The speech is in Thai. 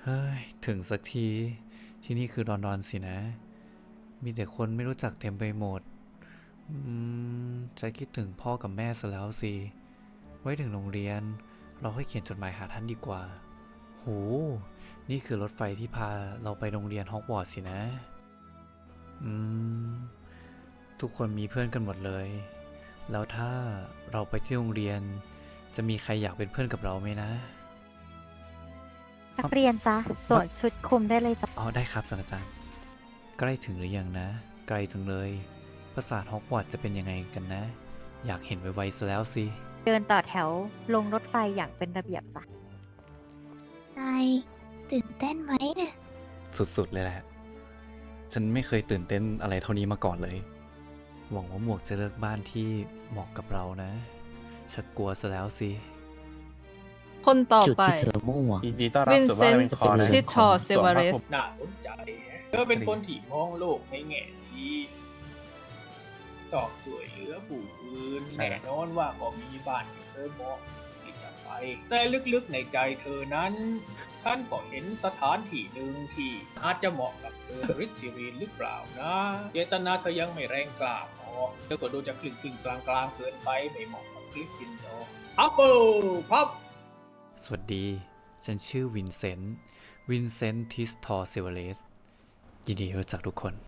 เฮ้ยถึงสักทีที่นี่คือลอนดอนสินะมีแต่คนไม่รู้จักเต็มไปหมดใจคิดถึงพ่อกับแม่ซะแล้วสิไว้ถึงโรงเรียนเราค่อยเขียนจดหมายหาท่านดีกว่าโหนี่คือรถไฟที่พาเราไปโรงเรียนฮอกวอตส์สินะอืมทุกคนมีเพื่อนกันหมดเลยแล้วถ้าเราไปที่โรงเรียนจะมีใครอยากเป็นเพื่อนกับเราไหมนะนักเรียนจ๊ะสวมชุดคลุมได้เลยจ้ะอ๋อได้ครับศาสตราจารย์ใกล้ถึงหรือยังนะไกลถึงเลยปราสาทฮอกวอตส์จะเป็นยังไงกันนะอยากเห็นไวๆซะแล้วสิเดินต่อแถวลงรถไฟอย่างเป็นระเบียบจ้ะนายตื่นเต้นไหมเนี่ยสุดๆเลยแหละฉันไม่เคยตื่นเต้นอะไรเท่านี้มาก่อนเลยหวังว่าหมวกจะเลือกบ้านที่เหมาะกับเรานะชักกลัวซะแล้วสิคนต่อจุดไปที่เธอมุ่งหวังยินดีต้อนรับวินสู่เซบ้านนเป็นต์คอนะชิทอเซวาเรสน่าสนใจเธอเป็นคนที่มองโลกในแง่ดีชอบช่วยเหลือผู้อื่นใช่แน่นอนว่าก็มีบ้านที่เธอเหมาะที่จะไป แต่ลึกๆในใจเธอนั้นท่านก็เห็นสถานที่หนึ่งที่อาจจะเหมาะกับเธอริชวีนหรือเปล่านะเจตนาเธอยังไม่แรงกล้าพอเธอก็ดูจะคลึงๆกลางๆเกินไปไม่เหมาะกับคลิปฟินโดอัปเปิลพับสวัสดีฉันชื่อวินเซนต์ทิสทอร์เซเวเลสยินดีรู้จักทุกคน